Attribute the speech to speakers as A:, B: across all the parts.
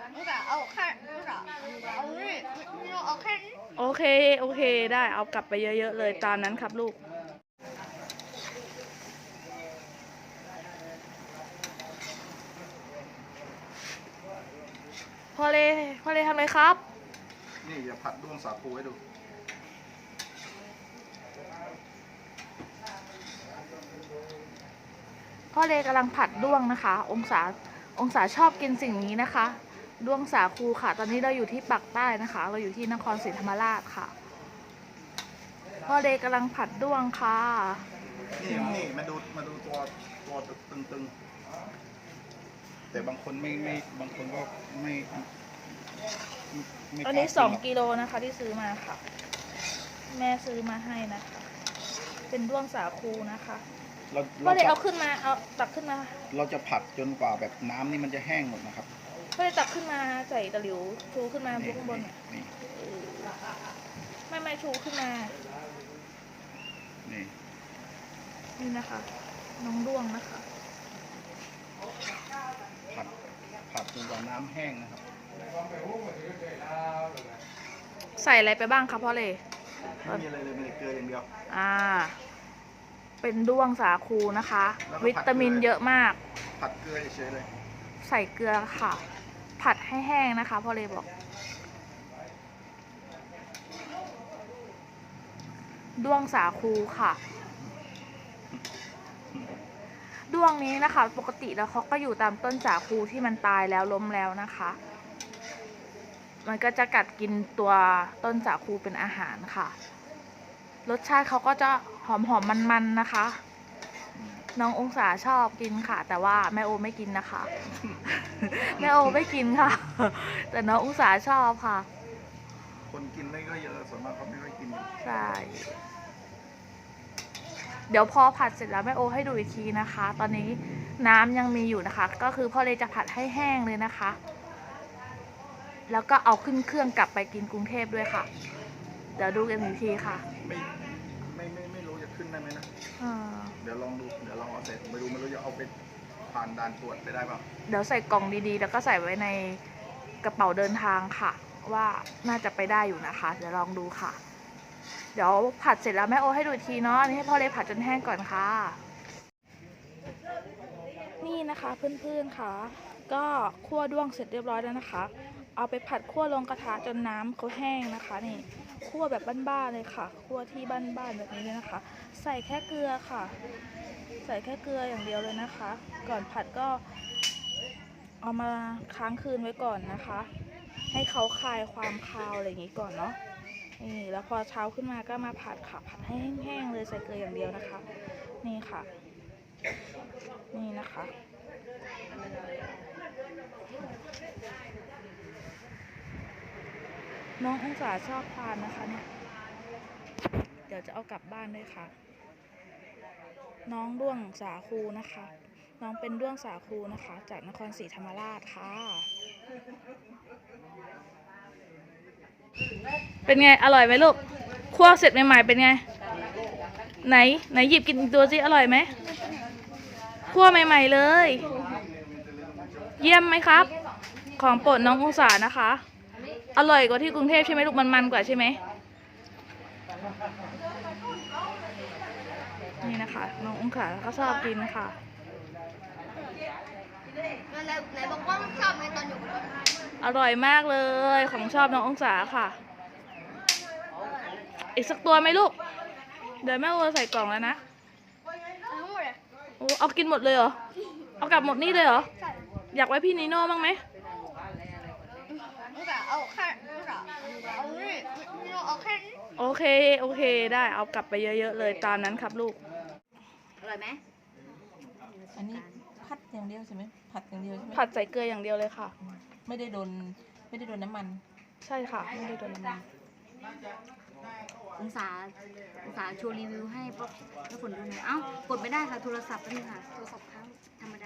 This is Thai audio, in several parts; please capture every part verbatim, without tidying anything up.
A: เอาแค่เอานี่เอาแค่นี้
B: โอเคโอเคได้เอากลับไปเยอะๆเลยตามนั้นครับลูกพ่อเลพ่อเลทำอะไรครับ
C: นี่อย่าผัดด้วงสาคูให้ดู
B: พ่อเลกำลังผัดด้วงนะคะ องศาองศาชอบกินสิ่งนี้นะคะด้วงสาคูค่ะ ตอนนี้เราอยู่ที่ปักใต้นะคะ เราอยู่ที่นครศรีธรรมราชค่ะพ่อเลกำลังผัดด้วงค่ะ
C: นี่นี่มาดูมาดูตัวตัวตึงๆแต่บางคนไม่ไม่บางคนก็ไม่
B: อันนี้สองกิโลนะคะที่ซื้อมาค่ะแม่ซื้อมาให้นะคะเป็นด้วงสาคูนะคะพ่อเลเอาขึ้นมาเอาตักขึ้นมา
C: เราจะผัดจนกว่าแบบน้ำนี่มันจะแห้งหมดนะครับ
B: พ่อเลตักขึ้นมาใส่ตะหลิวชูขึ้นมาบนข้างบน
C: นี่
B: ไม่ไม่ชูขึ้นมา
C: นี่
B: นี่นะคะน้องด้วงนะคะ
C: ผัดผัดจนกว่าน้ำแห้งนะครับ
B: ใส่อะไรไปบ้างคะพ่อเล
C: ไม่มีอะไรเลยมีเกลืออย่างเดียว
B: อ่าเป็นด้วงสาคูนะคะวิตามินเยอะมาก
C: ผัดเกลือเฉยเลย
B: ใส่เกลือค่ะผัดให้แห้งนะคะพ่อเลบอกด้วงสาคูค่ะด้วงนี้นะคะปกติแล้วเขาก็อยู่ตามต้นสาคูที่มันตายแล้วล้มแล้วนะคะมันก็จะกัดกินตัวต้นสาคูเป็นอาหารค่ะรสชาติเขาก็จะหอมหอมมันๆนะคะน้ององศาชอบกินค่ะแต่ว่าแม่โอไม่กินนะคะแม่โอไม่กินค่ะแต่น้ององศาชอบค่ะ
C: คนกินไม่ก็เยอะส่วนมากเขาไม่ค่อยกิน
B: ใช่เดี๋ยวพอผัดเสร็จแล้วแม่โอให้ดูอีกทีนะคะ ตอนนี้น้ำยังมีอยู่นะคะก็คือพ่อเลยจะผัดให้แห้งเลยนะคะแล้วก็เอาขึ้นเครื่องกลับไปกินกรุงเทพด้วยค่ะเดี๋ยวดูกันอีกทีค่ะ
C: ไม่ไม่ไม่ไม่รู้จะขึ้นได้ไหมนะเดี๋ยวลองดูเดี๋ยวลองเอาเสร็จไม่รู้ไม่รู้จะเอาไปผ่านด่านตรวจไปได้เปล่า
B: เดี๋ยวใส่กล่องดีๆแล้วก็ใส่ไว้ในกระเป๋าเดินทางค่ะว่าน่าจะไปได้อยู่นะคะเดี๋ยวลองดูค่ะเดี๋ยวผัดเสร็จแล้วแม่โอให้ดูทีเนาะอันนี้ให้พ่อเลยผัดจนแห้งก่อนค่ะนี่นะคะเพื่อนๆค่ะก็คั่วด้วงเสร็จเรียบร้อยแล้วนะคะเอาไปผัดคั่วลงกระทะจนน้ำเขาแห้งนะคะนี่คั่วแบบบ้านๆเลยค่ะคั่วที่บ้านๆแบบนี้เลยนะคะใส่แค่เกลือค่ะใส่แค่เกลืออย่างเดียวเลยนะคะก่อนผัดก็เอามาค้างคืนไว้ก่อนนะคะให้เขาคลายความคาวอะไรอย่างนี้ก่อนเนาะนี่แล้วพอเช้าขึ้นมาก็มาผัดค่ะผัดให้แห้งๆเลยใส่เกลืออย่างเดียวนะคะนี่ค่ะนี่นะคะน้ององศาชอบทานนะคะเนี่ยเดี๋ยวจะเอากลับบ้านด้วยค่ะน้องด้วงสาคูนะคะน้องเป็นด้วงสาคูนะคะจากนครศรีธรรมราชค่ะเป็นไงอร่อยไหมลูกคั่วเสร็จใหม่ๆเป็นไงไหนไหนหยิบกินตัวสิอร่อยไหมคั่วใหม่ๆเลยเยี่ยมไหมครับของโปรดน้ององศานะคะอร่อยกว่าที่กรุงเทพใช่ไหมลูกมันมันกว่าใช่ไหมนี่นะคะน้ององศาก็ชอบกินค่ะ
A: ไหนบอกว่าชอบในตอนอยู่
B: อร่อยมากเลยของชอบน้ององศาค่ะอีกสักตัวไหมลูกเดี๋ยวแม่โอใส่กล่องแล้วนะโอ้เอากินหมดเลยเหรอเอากลับหมดนี่เลยเหรออยากไว้พี่นิโน่บ้างไหม
A: เอาแค่เอานี่เอาแค่นี้
B: โอเคโอเคได้เอากลับไปเยอะๆเลยตามนั้นครับลูก
A: อร่อยไหม
D: อันนี้ผัดอย่างเดียวใช่ไหมผัดอย่างเดียวใช่ไหม
B: ผัดใส่เกลืออย่างเดียวเลยค่ะ
D: ไม่ได้โดนไม่ได้โดนน้ำมัน
B: ใช่ค่ะไม่ได้โดนน้ำมัน
A: องศาองศาโชว์รีวิวให้พวกทุกคนดูหน่อยเอ้ากดไม่ได้ค่ะโทรศัพท์นี่ค่ะโทรศัพท์ค้างธรรมดา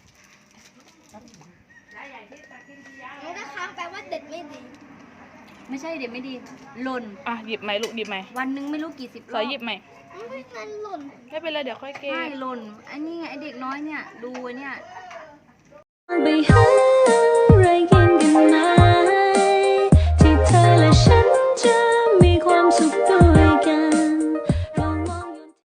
A: ไม่ได้ค้างแปลว่าเด็ดไม่ดีไม่ใช่เด็ดไม่ดีหล่น
B: อ่ะหยิบใหม่ลูกหยิบใหม่
A: วันนึงไม่รู้กี่สิบรอบ
B: ขอหยิบใหม่
A: ไม่งั้นหล่น
B: ไม่เป็นไรเดี๋ยวค่อยเก็บ
A: ไม่หล่นอันนี้ไงไอเด็กน้อยเนี่ยดูเนี่ย